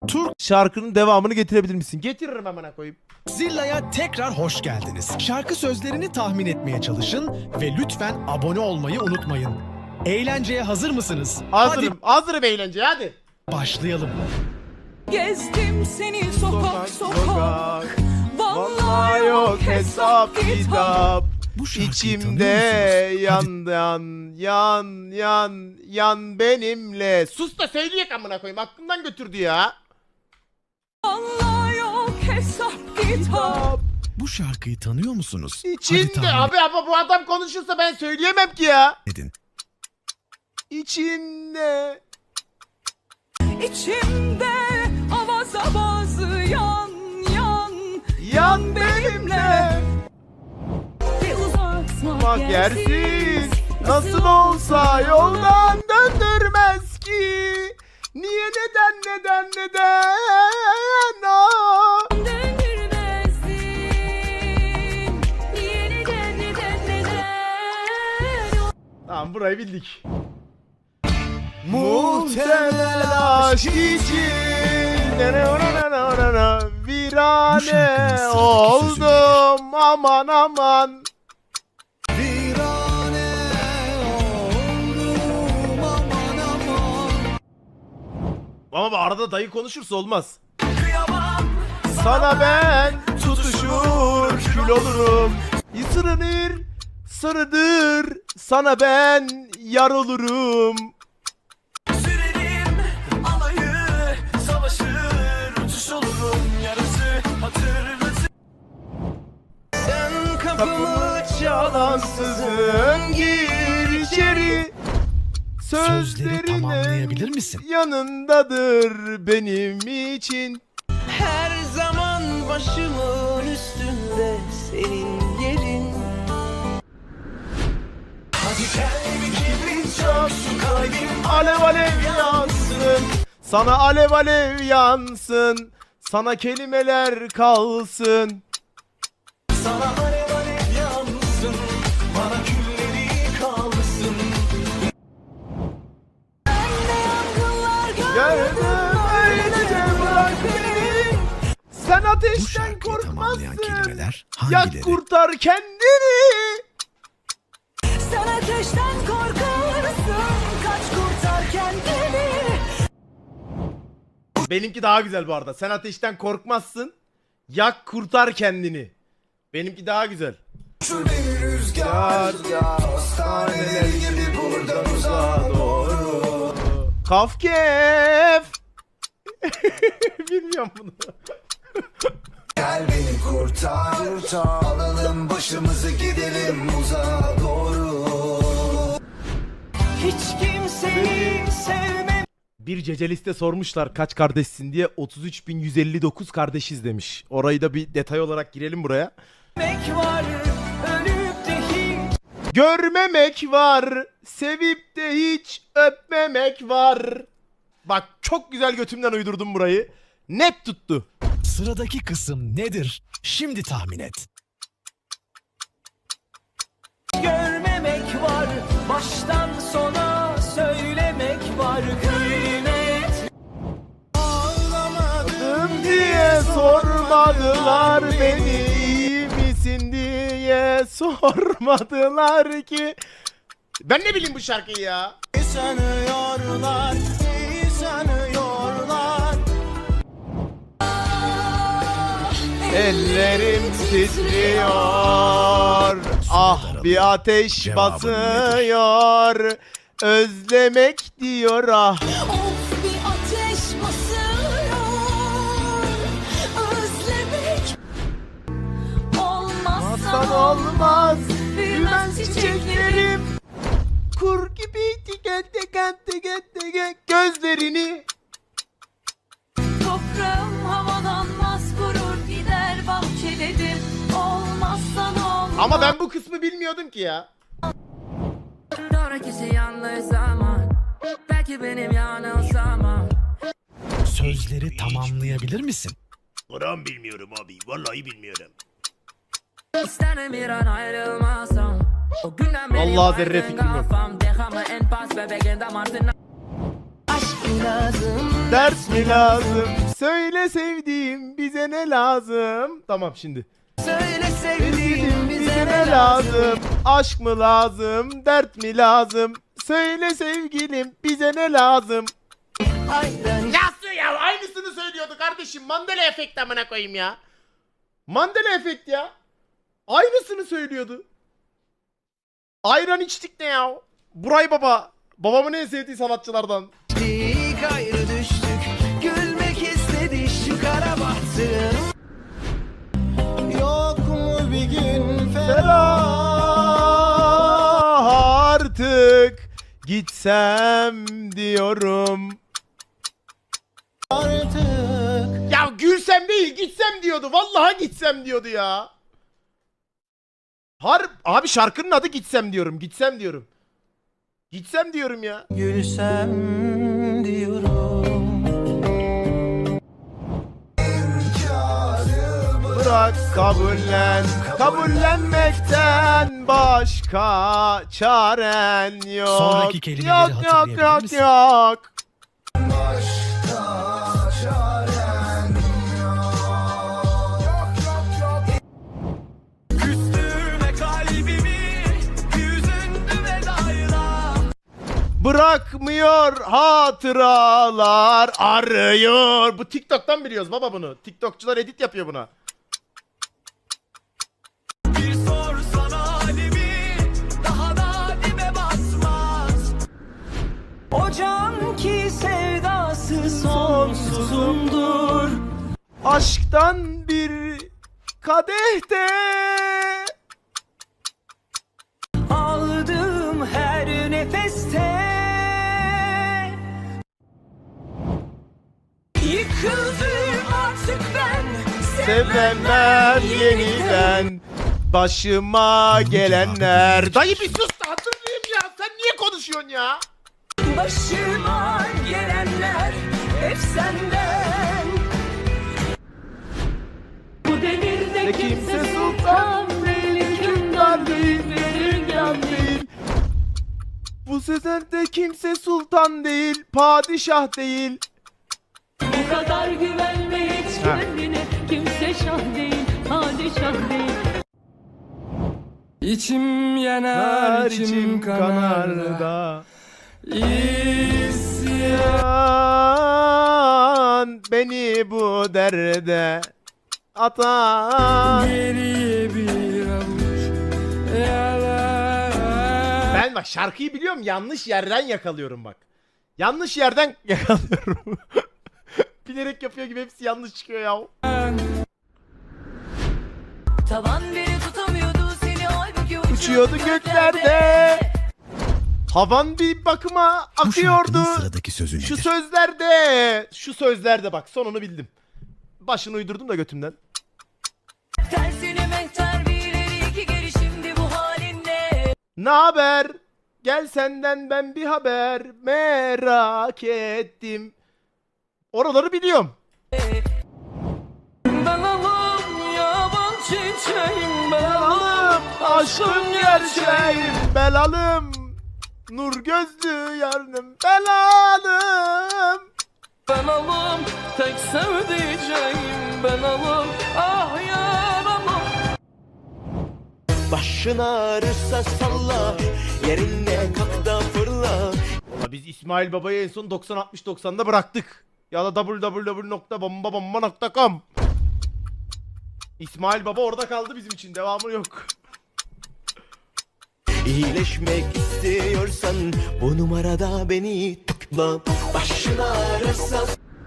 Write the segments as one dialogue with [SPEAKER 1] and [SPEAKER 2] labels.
[SPEAKER 1] Türk
[SPEAKER 2] Şarkının devamını getirebilir misin? Getiririm amına koyayım.
[SPEAKER 1] Zilla'ya tekrar hoş geldiniz. Şarkı sözlerini tahmin etmeye çalışın ve lütfen abone olmayı unutmayın. Eğlenceye hazır mısınız?
[SPEAKER 2] Hazırım. Hazırım eğlenceye hadi.
[SPEAKER 1] Hadi başlayalım.
[SPEAKER 3] Gezdim seni sokak sokak.
[SPEAKER 2] Vallahi yok hesap kitap.
[SPEAKER 1] Bu şarkıyı
[SPEAKER 2] İçimde
[SPEAKER 1] tanıyor
[SPEAKER 2] yan benimle. Sus da söyleyek amına koyayım. Aklımdan götürdü ya.
[SPEAKER 3] Vallahi yok hesap kitap.
[SPEAKER 1] Bu şarkıyı tanıyor musunuz?
[SPEAKER 2] İçinde
[SPEAKER 1] tahmin
[SPEAKER 2] abi ama bu adam konuşursa ben söyleyemem ki ya.
[SPEAKER 1] edin.
[SPEAKER 2] İçinde.
[SPEAKER 3] İçimde avaz avaz
[SPEAKER 2] Yan benimle.
[SPEAKER 3] bir uzatma
[SPEAKER 2] Bak yersiz. Nasıl olsa yoldan döndürmez ki. Niye neden ah.
[SPEAKER 3] Döndürmezsin. Niye neden
[SPEAKER 2] Tamam burayı bildik. Muhtemel aşk için virane oldum aman aman. Ama arada dayı konuşursa olmaz. Sana ben tutuşur kül olurum. Sarıdır sana ben yar olurum.
[SPEAKER 4] Sürerim alayı savaşır uçuş olurum yarısı hatırlasın. Sen kapımı
[SPEAKER 2] Çalansızın gir içeri.
[SPEAKER 1] Sözleri tamamlayabilir
[SPEAKER 2] Sözlerinin
[SPEAKER 1] misin?
[SPEAKER 2] yanındadır benim için.
[SPEAKER 4] her zaman başımın üstünde senin yerin. Hadi kalbi kibrit çok şu kalbim
[SPEAKER 2] Alev alev yansın. Sana alev alev yansın. Sana kelimeler kalsın.
[SPEAKER 4] sana alev alev yansın. Bana külleri kalsın.
[SPEAKER 2] Gördüm öylece bırak beni. Sen
[SPEAKER 1] Bu
[SPEAKER 2] ateşten
[SPEAKER 1] şarkıyı tamamlayan
[SPEAKER 2] korkmazsın.
[SPEAKER 1] kelimeler
[SPEAKER 2] Yak
[SPEAKER 1] hangileri?
[SPEAKER 2] kurtar kendini.
[SPEAKER 3] Sen ateşten korkarsın. Kaç kurtar kendini.
[SPEAKER 2] Benimki daha güzel bu arada. Sen ateşten korkmazsın. Yak kurtar kendini. Benimki daha güzel.
[SPEAKER 4] Şu beni rüzgar hastaneler gibi buradan uzağa doğru.
[SPEAKER 2] Kafkef. Bilmiyorum bunu.
[SPEAKER 4] Gel beni kurtar, alalım başımızı gidelim uzağa doğru. Hiç kimseyi sevmem.
[SPEAKER 2] Bir ceceliste sormuşlar kaç kardeşsin diye 33.159 kardeşiz demiş. Orayı da bir detay olarak girelim buraya.
[SPEAKER 4] Var, ölüp de hiç
[SPEAKER 2] Görmemek var, sevip de hiç öpmemek var. Bak çok güzel götümden uydurdum burayı. Net tuttu.
[SPEAKER 1] Sıradaki kısım nedir? Şimdi tahmin et.
[SPEAKER 4] görmemek var. Baştan sona söylemek var. Kıymet. Ağlamadım
[SPEAKER 2] Diye sormadılar beni, iyi misin diye sormadılar ki. Ben ne bileyim bu şarkıyı ya.
[SPEAKER 4] sanıyorlar, iyi sanıyorlar.
[SPEAKER 2] Ellerim titriyor. Ah bir ateş
[SPEAKER 1] Cevabın
[SPEAKER 2] basıyor. Özlemek diyor ah.
[SPEAKER 3] Of bir ateş basıyor. Özlemek.
[SPEAKER 2] Olmazsan
[SPEAKER 3] Olmazsa
[SPEAKER 2] olmaz.
[SPEAKER 3] büyümez çiçeklerim.
[SPEAKER 2] Kur gibi gözlerini.
[SPEAKER 3] Toprağım havalanmaz kurur gider bahçelerim. Olmazsan olmaz.
[SPEAKER 2] Ama ben bu kısmı bilmiyordum ki ya.
[SPEAKER 5] Sonrakisi yanlış zaman. Belki benim yanılsamam.
[SPEAKER 1] Sözleri tamamlayabilir misin?
[SPEAKER 2] Buram bilmiyorum abi. Vallahi bilmiyorum.
[SPEAKER 5] İsterim bir an ayrılmasam. O günden beri
[SPEAKER 2] Vallahi zerre
[SPEAKER 5] baygın
[SPEAKER 2] fikrim yok.
[SPEAKER 5] kafam. Dekamı en pas bebeğin damartına.
[SPEAKER 4] Aşk lazım.
[SPEAKER 2] Ders mi lazım? Söyle sevdiğim bize ne lazım? Tamam şimdi.
[SPEAKER 4] Söyle
[SPEAKER 2] Sevdiğim bize ne lazım? Aşk mı lazım? Dert mi lazım? Söyle sevgilim bize ne lazım?
[SPEAKER 4] Aynen.
[SPEAKER 2] Nasıl ya? Aynısını söylüyordu kardeşim. Mandela efekt amına koyayım ya. Mandela efekt ya. Aynısını söylüyordu. Ayran içtik ne ya? Buray Baba. Babamın en sevdiği sanatçılardan.
[SPEAKER 4] Gayrı düştük. Gülmek istedi şu kara bahtım. Yok mu bir gün
[SPEAKER 2] Ferah artık gitsem diyorum.
[SPEAKER 4] artık?
[SPEAKER 2] Ya gülsem değil gitsem diyordu. Vallahi gitsem diyordu ya. Abi şarkının adı gitsem diyorum. Gitsem diyorum. Gitsem diyorum ya.
[SPEAKER 4] Gülsem diyorum.
[SPEAKER 2] Bırak kabullen. Kabullenmekten başka çaren yok.
[SPEAKER 1] Sonraki kelimeleri
[SPEAKER 2] yok
[SPEAKER 1] hatırlayabilir
[SPEAKER 2] yok
[SPEAKER 1] misin?
[SPEAKER 2] yok.
[SPEAKER 4] Küstürme kalbimi. Yüzündü vedayla.
[SPEAKER 2] Bırakmıyor hatıralar arıyor. Bu TikTok'tan biliyoruz baba bunu. TikTokçular edit yapıyor buna.
[SPEAKER 4] Bir sorsana halimi. Daha da dibe basmaz. O can ki sevdası sonsuzumdur.
[SPEAKER 2] Aşktan bir kadehte
[SPEAKER 4] Aldığım her nefeste yıkıldım artık ben.
[SPEAKER 2] sevmem yeniden başıma gelenler. Dayı bir sus da hatırlayayım ya. Sen niye konuşuyorsun ya?
[SPEAKER 4] Başıma gelenler hep senden.
[SPEAKER 3] Bu devirde
[SPEAKER 2] Kimse sultan değil, hükümdar değil, verirgan değil. Bu sözlerde kimse sultan değil, padişah değil.
[SPEAKER 3] Bu kadar güvenme hiç
[SPEAKER 2] Ha.
[SPEAKER 3] kendine. Kimse şah değil, padişah değil.
[SPEAKER 6] İçim yanar, içim kanar da
[SPEAKER 2] İsyan beni bu derde atan.
[SPEAKER 6] geriye bir avuç yalan.
[SPEAKER 2] Ben bak şarkıyı biliyorum, yanlış yerden yakalıyorum bak. Yanlış yerden yakalıyorum. Bilerek yapıyor gibi hepsi yanlış çıkıyor ya.
[SPEAKER 3] Tavan biri tutamıyordu seni, halbuki
[SPEAKER 2] Uçuyordu göklerde. Havan bir bakıma akıyordu.
[SPEAKER 1] sıradaki sözü
[SPEAKER 2] Şu sözlerde. Şu sözlerde bak, sonunu bildim. Başını uydurdum da götümden.
[SPEAKER 3] tersine mehter bir ileri iki geri, şimdi bu halin ne?
[SPEAKER 2] Ne haber? Gel senden ben bir haber merak ettim. Oraları biliyorum.
[SPEAKER 4] Ben alım yaban çiçeğim, ben
[SPEAKER 2] Belalım aşkım gerçeğim, belalım nur gözlü yarınım, belalım.
[SPEAKER 4] Ben alım tek sevdiceğim, ben alım ah yaramam. Başın ağrırsa salla, yerinde kalk da fırla.
[SPEAKER 2] Valla biz İsmail Baba'yı en son 90-60-90'da bıraktık. Ya da www.bombabomba.com. İsmail Baba orada kaldı bizim için, devamı yok.
[SPEAKER 4] İyileşmek istiyorsan bu numarada beni tıkla. Başın ağrırsa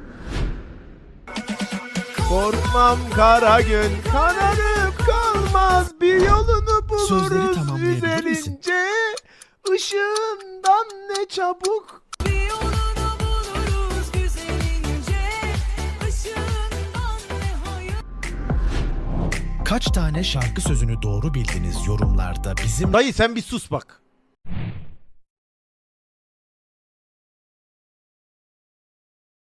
[SPEAKER 2] Korkmam kara gün, kararıp kalmaz, bir yolunu
[SPEAKER 1] Sözleri
[SPEAKER 2] buluruz
[SPEAKER 1] tamamlayabilir misin?
[SPEAKER 2] üzerince. Işığından ne çabuk.
[SPEAKER 3] Bir yolunu buluruz güzelince, ışığından ne hayır.
[SPEAKER 1] Kaç tane şarkı sözünü doğru bildiniz yorumlarda bizim
[SPEAKER 2] Dayı sen bir sus bak.